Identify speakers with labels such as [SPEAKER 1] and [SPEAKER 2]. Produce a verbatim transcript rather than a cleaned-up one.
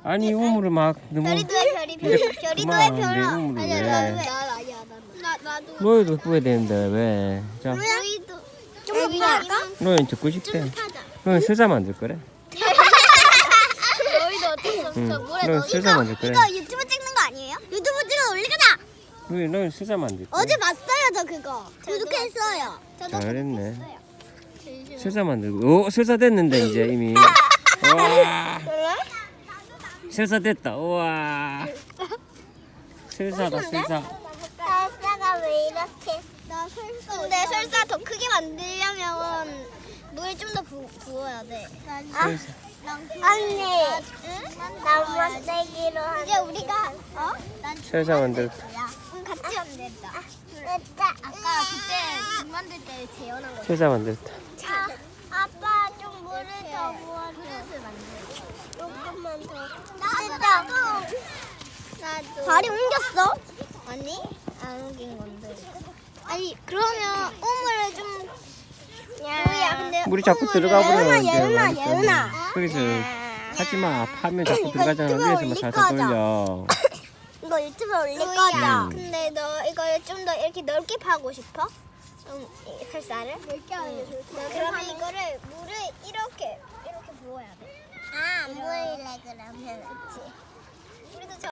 [SPEAKER 1] 아니 우물을 막 너무
[SPEAKER 2] 별이도 해 별이 별이 별이도
[SPEAKER 1] 그만,
[SPEAKER 2] 해
[SPEAKER 1] 내
[SPEAKER 2] 별아.
[SPEAKER 1] 우물을
[SPEAKER 2] 아니야
[SPEAKER 1] 왜?
[SPEAKER 2] 나도 해. 나 아니야 나 나도.
[SPEAKER 1] 너희도 뿌야 되는데 왜? 자,
[SPEAKER 2] 너희도 좀 파까?
[SPEAKER 1] 너희 듣고 싶대.
[SPEAKER 2] 파자.
[SPEAKER 1] 너희 슬사 만들 거래?
[SPEAKER 2] 너희도 어쩔 수 없어.
[SPEAKER 1] 응.
[SPEAKER 2] 물에
[SPEAKER 1] 너희
[SPEAKER 2] 넣어.
[SPEAKER 1] 슬사 만들 거래?
[SPEAKER 2] 이거 유튜브 찍는 거 아니에요? 유튜브 찍어 올리거나.
[SPEAKER 1] 너희 너희 슬사 만들 거래?
[SPEAKER 2] 어제 봤어요 저 그거. 구독했어요. 저도
[SPEAKER 1] 잘했네.
[SPEAKER 2] 구독했어요.
[SPEAKER 1] 슬사 만들고. 오, 슬사 됐는데 이제 이미. 와,
[SPEAKER 2] 그래?
[SPEAKER 1] 슬사 됐다. 우와. 슬사다 슬사.
[SPEAKER 2] 설사가 왜 이렇게? 나 설사. 근데 설사 더 크게 만들려면 물을 좀 더 부어야 돼.
[SPEAKER 1] 슬사.
[SPEAKER 2] 언니, 나 만들기로 하. 이제 우리가 어?
[SPEAKER 1] 슬사 만들었다.
[SPEAKER 2] 응, 같이 만들자. 아까 그때 집 만들 때 재현한 거.
[SPEAKER 1] 슬사 만들었다.
[SPEAKER 2] 아, 아빠 좀 물을 더 부어줘. 그릇을 만들어. 조금만 더. 나도. 나도. 발이 옮겼어? 아니, 안 옮긴 건데. 아니, 그러면 우물을 좀. 야, 근데
[SPEAKER 1] 물이 자꾸
[SPEAKER 2] 우물을-
[SPEAKER 1] 들어가 버려.
[SPEAKER 2] 예은아, 예은아, 예은아.
[SPEAKER 1] 그래서 하지 마. 파면 자꾸 들어가잖아.
[SPEAKER 2] 유튜브에
[SPEAKER 1] 위에서만
[SPEAKER 2] 올릴
[SPEAKER 1] 살살
[SPEAKER 2] 거죠?
[SPEAKER 1] 돌려.
[SPEAKER 2] 이거 유튜브에 올릴 거죠?
[SPEAKER 1] 음.
[SPEAKER 2] 근데 너 이걸 좀 더 이렇게 넓게 파고 싶어? 좀 이- 설사를? 넓게 하는 게 좋을 것 같아. 그러면 이거를 물을 이렇게 이렇게 부어야 돼. 아, 안 보일래 그러면. 그치. 우리도 저